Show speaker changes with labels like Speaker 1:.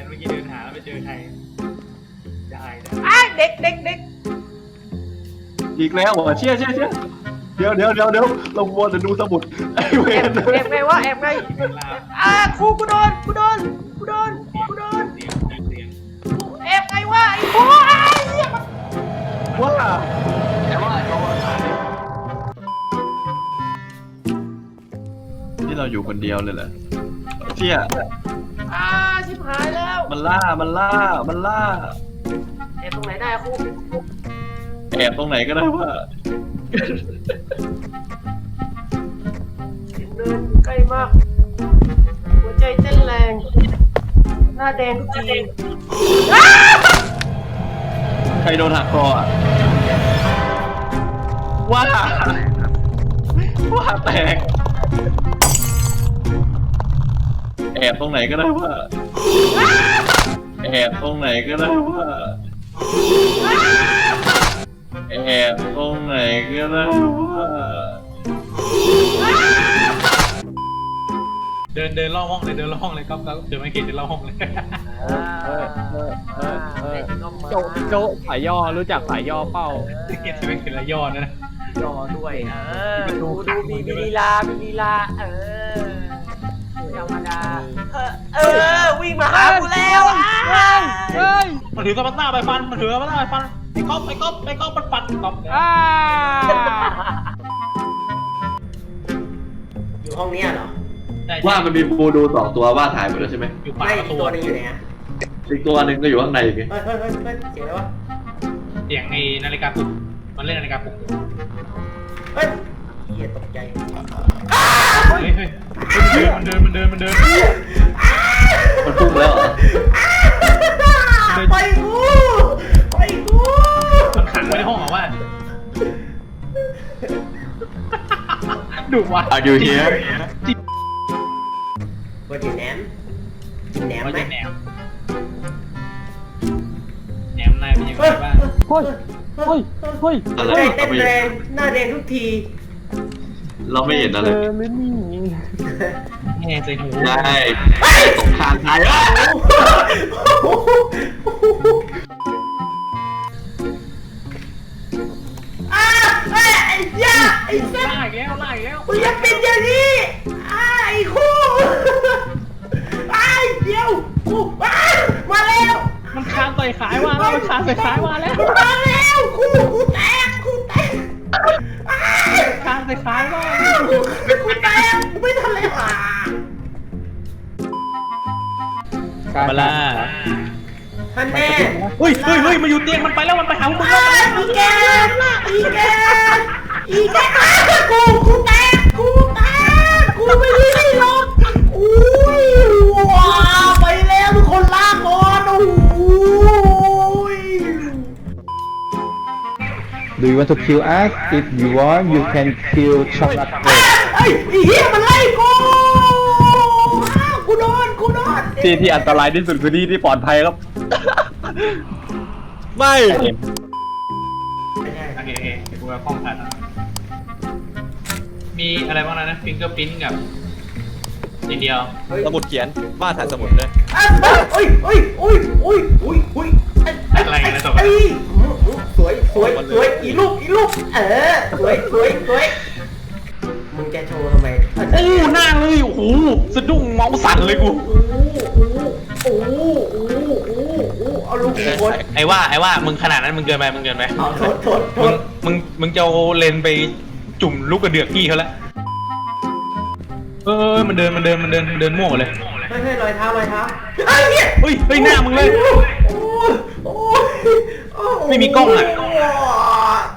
Speaker 1: เมื่อกี้เดินหาแล้วไปเจอใครได้นะ
Speaker 2: เด็ก
Speaker 3: อีกแล้วเหรอเชี่ยเดี๋ยวเราวัวจะดูสมุดไอ้เว
Speaker 2: แอบ
Speaker 3: ร
Speaker 2: แอบไงวะแอบไง
Speaker 1: เป็นลา
Speaker 2: ครูกูโดน
Speaker 1: เสียง
Speaker 2: แอบไงวะไอ้โอ้ยเหี้ย
Speaker 3: ว่า
Speaker 1: แต่ว่าเขาตาย
Speaker 3: ที่เราอยู่คนเดียวเลยเหรอเชี่ย
Speaker 2: ชิบหายแล้ว
Speaker 3: มันล่า
Speaker 2: แอบตรงไหนได้ครู
Speaker 3: แอบตรงไหนก็ได้ว่า
Speaker 2: เสียงเดินใกล้มาก หัวใจเต้นแรง หน้าแดงทุกที
Speaker 3: ใครโดนหักคออ่ะว่าแตกแอบตรงไหนก็ได้ว่าแอบตรงไหนก็ได้ว่าแอบตรงไหนก็ได้ว่า
Speaker 1: เดินล่อห้องเลยครับเดินไม่เก่งเดินล่อห้องเลย
Speaker 4: โจสายย่อรู้จักสายย่อเป้า
Speaker 1: เก่งจะเป็นละยอดนะ
Speaker 2: ย่อด้วยดูมีลีลาไม่ธรรมดาวิ่งมาหากูแล้ว
Speaker 4: เฮ้ย
Speaker 1: มันถือกระต่ายไปฟันไอ้ก๊อฟมันปัดก๊อฟ
Speaker 2: อยู่ห้องนี้เหรอ
Speaker 3: ว่ามันมีบูดู2ตัวว่าถ่ายหมดแล้วใช่ไหม
Speaker 1: อยู่ปาก
Speaker 2: ไม่
Speaker 1: ประตู
Speaker 2: ตัวนึงอยู่ไหนฮะ
Speaker 3: อีกตัวหนึ่งก็อยู่ข้างในอีก
Speaker 2: เฮ้ยเสียงอะไรวะ
Speaker 1: เสียงไอ้นาฬิกาปลุกมันเล่นนาฬิกาปลุก
Speaker 2: เฮ้ยเหี้ยตกใจ
Speaker 1: เฮ้ยมันเดิน
Speaker 3: มันพุ่งแล้วเหรอ
Speaker 2: ไปกู
Speaker 1: มันขังไว้ในห้องเหรอวะดุว่ะ
Speaker 3: Are you here
Speaker 2: ว่ากินแหนมกินแหนมไหม
Speaker 1: แหนมนายเป็นยังไงบ้าง
Speaker 4: เฮ้ย
Speaker 3: อะไร
Speaker 2: ใจ
Speaker 3: เรา
Speaker 2: เต้น
Speaker 3: ไม่
Speaker 2: แรงหน้าแดงทุกที
Speaker 3: เราไม่เห็นอะไร
Speaker 4: หรือนี่
Speaker 1: แง่ใส่หู
Speaker 3: ใช่สงครามไทยอ่ะ
Speaker 2: ไอ้ยาไอ้สัส
Speaker 1: ล่าอีกแล้ว
Speaker 2: มึงยังเป็นอย่างนี้ไอ้คู่เดี๋ยวกูมาแล้ว
Speaker 4: มันคานใส่ขายมาแล้วมันคานใส่ขายมาแล้ว
Speaker 2: มาแล้วคู่แตก
Speaker 4: คานใส่ขายมา
Speaker 2: กูแตกไม่ทันเลยหา
Speaker 1: มาล่า
Speaker 2: ท่านแม่
Speaker 1: เฮ้ยมาอยู่เตียงมันไปแล้วมันไปหามึงแล้ว
Speaker 2: อีแกกูแตกกูไม่ได้หรอกอุ้ยว้าไปแล้วทุกคนลากก่อนโอ้ย
Speaker 5: Do you want to kill us? If you want, you can kill Chocolate Cake.
Speaker 2: ไอ้เหี้ยมันไล่กูโดน
Speaker 3: ที่อันตรายที่สุดคือที่ปลอดภัยครับ ไม่
Speaker 1: โอเคกูจะป้องกันมีอะไรบ้างนะฟิงเกอร์พิ้นกับทีเดียว
Speaker 3: สมุดเขียนว่าถ่ายสมุดด้วย
Speaker 1: อะไรนะต่อไป
Speaker 2: สวยอีลูกสวยมึงจะโชว์ทำไม
Speaker 1: โอ้หน้าเลยโอ้โหสะดุ้งเมาสั่นเลยกู
Speaker 2: เอาลูกคน
Speaker 1: ไอ้ว่ามึงขนาดนั้นมึงเกินไป
Speaker 2: เอาโทษ
Speaker 1: มึงจะเอาเลนไปจุ่มลูกกระเดือกพี่เขาแล้วมันเดินม่วงเลย
Speaker 2: เฮ้ยรอยเท้าไอ้เนี่ย
Speaker 1: เฮ้ยหน้ามึงเลย ไม่มีกล้องอ่ะ